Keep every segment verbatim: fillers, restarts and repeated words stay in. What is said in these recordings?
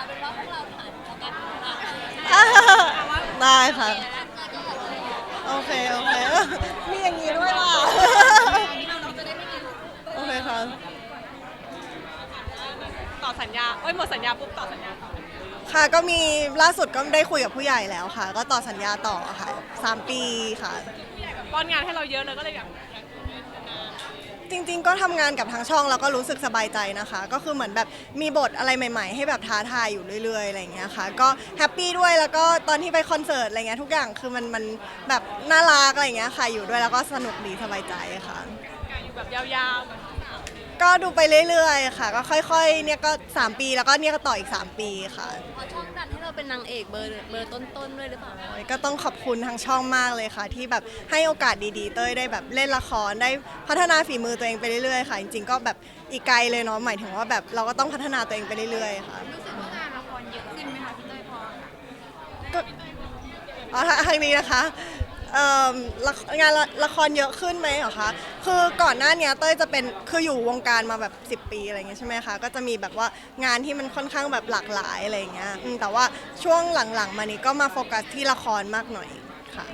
เป็นว่าพวกเราผ่านแล้วกันผ่านได้ค่ะเจอก็แบบโอเค โอเค มีอย่างนี้ด้วยล่ะเราจะได้ไม่มีโอเคค่ะต่อสัญญาเอ้ยหมดสัญญาปุ๊บต่อสัญญาต่อค่ะก็มีล่าสุดก็ได้คุยกับผู้ใหญ่แล้วค่ะ ก็ต่อสัญญาต่อค่ะสามปีค่ะผู้ใหญ่แบบป้อนงานให้เราเยอะเลยก็เลยแบบจริงๆก็ทำงานกับทางช่องแล้วก็รู้สึกสบายใจนะคะ ก็คือเหมือนแบบมีบทอะไรใหม่ๆให้แบบท้าทายอยู่เรื่อยๆอะไรอย่างเงี้ยค่ะก็แฮปปี้ด้วยแล้วก็ตอนที่ไปคอนเสิร์ตอะไรเงี้ยทุกอย่างคือมันมันแบบน่ารักอะไรอย่างเงี้ยค่ะอยู่ด้วยแล้วก็สนุกดีสบายใจค่ะการอยู่แบบยาวๆแบบก็ดูไปเรื่อยๆค่ะก็ค่อยๆเนี่ยก็สามปีแล้วก็เนี่ยก็ต่ออีกสามปีค่ะพอช่องดันให้เราเป็นนางเอกเบอร์เบอร์ต้นๆด้วยหรือเปล่าก็ต้องขอบคุณทางช่องมากเลยค่ะ ที่แบบให้โอกาสดีๆเต้ยได้แบบเล่นละครได้พัฒนาฝีมือตัวเองไปเรื่อยๆค่ะ จริงๆก็แบบอีกไกลเลยเนาะหมายถึงว่าแบบเราก็ต้องพัฒนาตัวเองไปเรื่อยๆค่ะรู้สึกว่างานละครเยอะขึ้นไหมคะพี่เต้ยพอก็อ๋อทางทางนี้นะคะเอิ่มละงานละละครเยอะขึ้นไหมเหรอคะคือก่อนหน้าเนี้ยเต้ยจะเป็นคืออยู่วงการมาแบบสิบปีอะไรอย่างเงี้ยใช่ไหมคะก็จะมีแบบว่างานที่มันค่อนข้างแบบหลากหลายอะไรอย่างเงี้ยอืมแต่ว่าช่วงหลังๆมานี้ก็มาโฟกัสที่ละครมากหน่อยค่ะ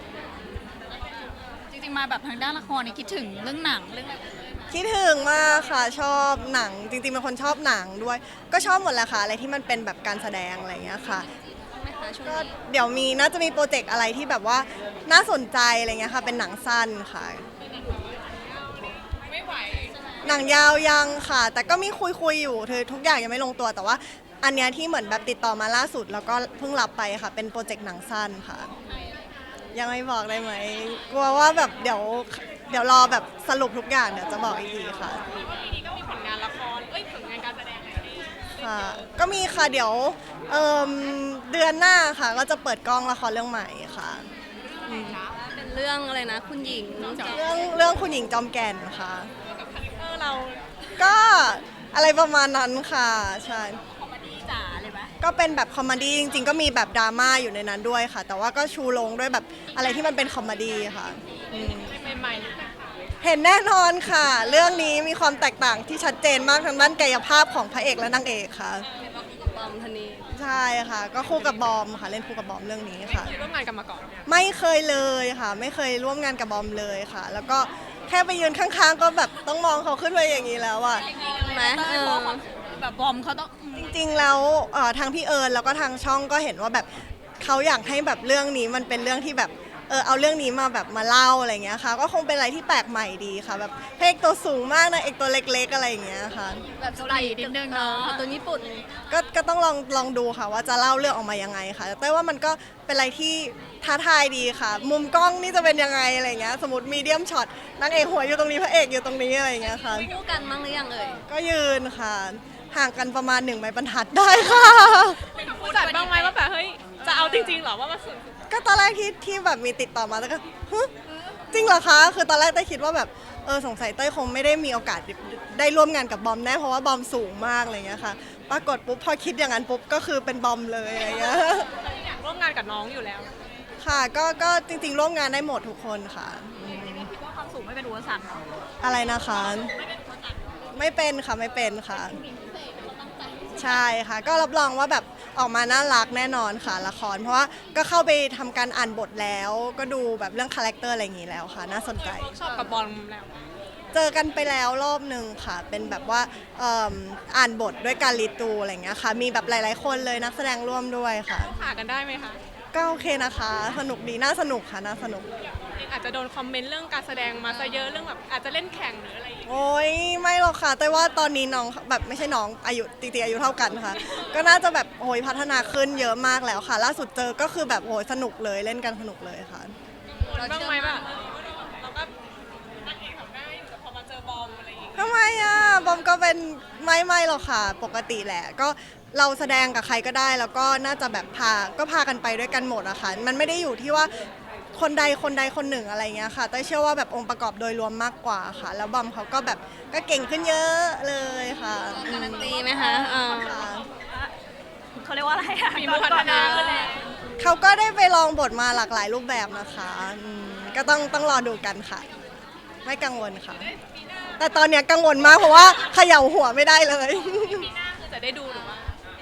จริงๆมาแบบทางด้านละครนี่คิดถึงเรื่องหนังเรื่องอะไรคิดถึงมากค่ะชอบหนังจริงๆเป็นคนชอบหนังด้วย ก็ชอบหมดแหละค่ะอะไรที่มันเป็นแบบการแสดงอะไรอย่างเงี้ยค่ะไหมคะช่วงก็นี้เดี๋ยวมีน่าจะมีโปรเจกต์อะไรที่แบบว่าน่าสนใจอะไรเงี้ยค่ะเป็นหนังสั้นค่ะไม่ไหวหนังยาวยังค่ะ แต่ก็มีคุยคุยๆอยู่คือทุกอย่างยังไม่ลงตัวแต่ว่า อันเนี้ยที่เหมือนแบบติดต่อมาล่าสุด แล้วก็เพิ่งรับไปค่ะ เป็นโปรเจกต์หนังสั้นค่ะ ยังไม่บอกได้ไหมกลัวว่าแบบเดี๋ยวเดี๋ยวรอแบบสรุปทุกอย่างเดี๋ยวจะบอกอีกทีค่ะว่าปีนี้ก็มีผลงานละครเอ้ยผลงานการแสดงอะไรให้ค่ะก็มีค่ะเดี๋ยวเอิ่มเดือนหน้าค่ะก็จะเปิดกล้องละครเรื่องใหม่ค่ะเป็นเรื่องอะไรนะคุณหญิงเรื่องเรื่องคุณหญิงจอมแก่นค่ะกับคาแรคเตอร์เราก็อะไรประมาณนั้นค่ะใช่คอมเมดี้จ๋าเลยไหมก็เป็นแบบคอมเมดี้จริงๆ ก็มีแบบดราม่าอยู่ในนั้นด้วยค่ะ แต่ว่าก็ชูลงด้วยแบบอะไรที่มันเป็นคอมเมดี้ค่ะอืมใหม่ๆนิดนึงเห็นแน่นอนค่ะ เรื่องนี้มีความแตกต่างที่ชัดเจนมากทางด้านกายภาพของพระเอกและนางเอกค่ะบอมธนีใช่ค่ะ ก็คู่กับบอมค่ะเล่นคู่กับบอมเรื่องนี้ค่ะเคยร่วมงานกันมาก่อนไม่เคยเลยค่ะ ไม่เคยร่วมงานกับบอมเลยค่ะ แล้วก็แค่ไปยืนข้างๆ ก็แบบต้องมองเขาขึ้นไปอย่างนี้แล้วอะไหมเออแบบบอมเขาต้องจริงๆแล้วเอ่อทางพี่เอิญแล้วก็ทางช่องก็เห็นว่าแบบเขาอยากให้แบบเรื่องนี้มันเป็นเรื่องที่แบบเออเอาเรื่องนี้มาแบบมาเล่าอะไรเงี้ยค่ะ ก็คงเป็นอะไรที่แปลกใหม่ดีค่ะ แบบพระเอกตัวสูงมากนะเอกตัวเล็กๆอะไรอย่างเงี้ยค่ะแบบสไตล์นิดนึงเนาะตัวญี่ปุ่นก็ก็ต้องลองลองดูค่ะว่าจะเล่าเรื่องออกมายังไงค่ะแต่ว่ามันก็เป็นอะไรที่ท้าทายดีค่ะ มุมกล้องนี่จะเป็นยังไงอะไรเงี้ยสมมติมีเดียมช็อตนางเอกหัวอยู่ตรงนี้พระเอกอยู่ตรงนี้อะไรเงี้ยค่ะคู่กันมั้งหรือยังเอ่ยก็ยืนค่ะ ห่างกันประมาณหนึ่งไม้บรรทัดได้ค่ะผู้จัดบ้างไหมว่าแบบเฮ้ยจะเอาจริงๆเหรอว่ามาสุดก็ตอนแรกที่ที่แบบมีติดต่อมาแล้วก็ฮึจริงเหรอคะ คือตอนแรกเต้ยคิดว่าแบบเออสงสัยเต้ยคงไม่ได้มีโอกาสได้ร่วมงานกับบอมแน่เพราะว่าบอมสูงมากอะไรเงี้ยค่ะ ปรากฏปุ๊บพอคิดอย่างนั้นปุ๊บก็คือเป็นบอมเลยอะไรเงี้ยอยากร่วมงานกับน้องอยู่แล้วค่ะก็ก็จริงๆร่วมงานได้หมดทุกคนค่ะคิดว่าความสูงไม่เป็นอุปสรรคเนาะอะไรนะคะ ไม่เป็นค่ะไม่เป็นค่ะ ใช่ค่ะ ก็รับรองว่าแบบออกมาน่ารักแน่นอนค่ะละคร เพราะว่าก็เข้าไปทำการอ่านบทแล้ว ก็ดูแบบเรื่องคาแรคเตอร์อะไรอย่างนี้แล้วค่ะ น่าสนใจชอบกับบอลแล้วเจอกันไปแล้วรอบหนึ่งค่ะ เป็นแบบว่าเอิ่มอ่านบทด้วยการรีตูอะไรอย่างเงี้ยค่ะ มีแบบหลาย ๆ คนเลยนักแสดงร่วมด้วยค่ะผ่ากันได้ไหมคะก็โอเคนะคะ สนุกดีน่าสนุกค่ะน่าสนุกเองอาจจะโดนคอมเมนต์เรื่องการแสดงมาซะเยอะเรื่องแบบอาจจะเล่นแข่งหรืออะไรอย่างเงี้ยโอ้ยไม่หรอกค่ะแต่ว่าตอนนี้น้องแบบไม่ใช่น้องอายุจริงๆอายุเท่ากันค่ะ ก็น่าจะแบบโอ้ยพัฒนาขึ้นเยอะมากแล้วค่ะ ล่าสุดเจอก็คือแบบโอ้ยสนุกเลยเล่นกันสนุกเลยค่ะบ้างไหมแบบเราก็นางเอกทำได้อยู่แต่พอมาเจอบอมอะไรอย่างเงี้ยทำไมอ่ะบอมก็เป็นไม่ไม่หรอกค่ะ ปกติแหละ ก็เราแสดงกับใครก็ได้ แล้วก็น่าจะแบบพาก็พากันไปด้วยกันหมดอะค่ะมันไม่ได้อยู่ที่ว่าคนใดคนใดคนหนึ่งอะไรเงี้ยค่ะเต้ยเชื่อว่าแบบองค์ประกอบโดยรวมมากกว่าค่ะ แล้วบอมเขาก็แบบก็เก่งขึ้นเยอะเลยค่ะการันตีไหมคะเออค่ะเขาเรียกว่าอะไรอะมีมือพัฒนาขึ้นแล้วเขาก็ได้ไปลองบทมาหลากหลายรูปแบบนะคะอืมก็ต้องต้องรอดูกันค่ะ ไม่กังวลค่ะ แต่ตอนเนี้ยกังวลมากเพราะว่าเขย่าหัวไม่ได้เลยปีหน้าคือจะได้ดูหรือว่า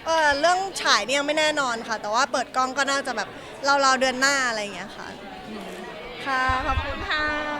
เออเรื่องฉายเนี่ยยังไม่แน่นอนค่ะ แต่ว่าเปิดกล้องก็น่าจะแบบเราๆเดือนหน้าอะไรอย่างเงี้ยค่ะ ค่ะ ขอบคุณค่ะ